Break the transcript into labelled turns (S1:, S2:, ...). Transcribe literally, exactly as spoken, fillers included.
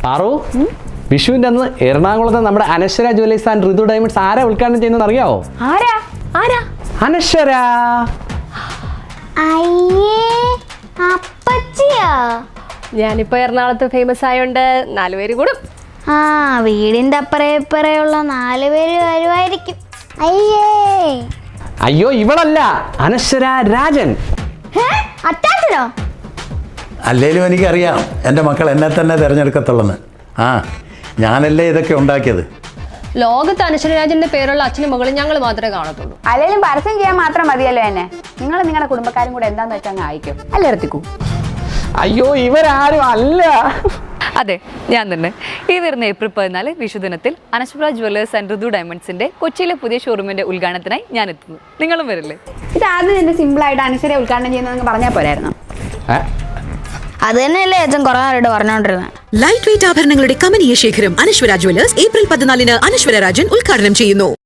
S1: പാറു, വിഷുവിന്റെ അന്ന് എറണാകുളത്ത് നമ്മുടെ Anaswara jewellers and Rithu diamonds ആരാ ഉദ്ഘാടനം ചെയ്യുന്നത് അറിയാവോ?
S2: ആരാ ആരാ
S1: അനശ്വര.
S2: ഞാനിപ്പോ എറണാകുളത്ത് ഫേമസ് ആയോണ്ട് നാലുപേര് കൂടും.
S3: ആ വീടിന്റെ അപ്പറേ ഇപ്പറയുള്ള നാലുപേര് വരുമായിരിക്കും. അയ്യേ
S1: അയ്യോ, ഇവളല്ല, അനശ്വര രാജൻ.
S3: അറ്റാച്ചനോ?
S4: അല്ലേലും എനിക്കറിയാം എൻ്റെ മക്കൾ എന്നെ തന്നെ തിരഞ്ഞെടുക്കത്തുള്ളെന്ന്. ആ ഞാനല്ലേ ഇതൊക്കെ ഉണ്ടാക്കിയത്.
S2: ലോകത്ത് അനശ്വരരാജന്റെ പേരുള്ള അച്ഛനും മകളും ഞങ്ങൾ മാത്രമേ കാണത്തുള്ളൂ.
S5: അല്ലെങ്കിലും പരസ്യം ചെയ്യാൻ മാത്രം മതിയല്ലോ എന്നെ. നിങ്ങൾ നിങ്ങളുടെ കുടുംബക്കാരും കൂടെ എന്താന്ന് വെച്ചാൽ അങ്ങ് അയക്കും അല്ലേ ഇറത്തിക്കൂ.
S1: അയ്യോ, ഇവരാരും അല്ല.
S6: അതെ, ഞാൻ തന്നെ. ഈ വരുന്ന ഏപ്രിൽ പതിനാല് വിഷുദിനത്തിൽ അനശ്വര ജ്വല്ലേഴ്സ് ആൻഡ് ഋതു ഡയമണ്ട്സിന്റെ കൊച്ചിയിലെ പുതിയ ഷോറൂമിന്റെ ഉദ്ഘാടനത്തിനായി ഞാൻ എത്തുന്നു. നിങ്ങളും വരില്ലേ?
S5: ഇത് ആദ്യം തന്നെ സിമ്പിൾ ആയിട്ട് അനശ്വര ഉദ്ഘാടനം ചെയ്യുന്നതെന്ന് പറഞ്ഞാൽ പോരായിരുന്നു?
S3: അത് തന്നെയല്ലേ അച്ഛൻ കുറെ നേരിട്ട് പറഞ്ഞോണ്ടിരുന്നത്.
S7: ലൈറ്റ് വെയിറ്റ് ആഭരണങ്ങളുടെ കമനീയ ശേഖരം അനശ്വര ജ്വല്ലേഴ്സ് ഏപ്രിൽ പതിനാലിന് അനശ്വര രാജൻ ഉദ്ഘാടനം ചെയ്യുന്നു.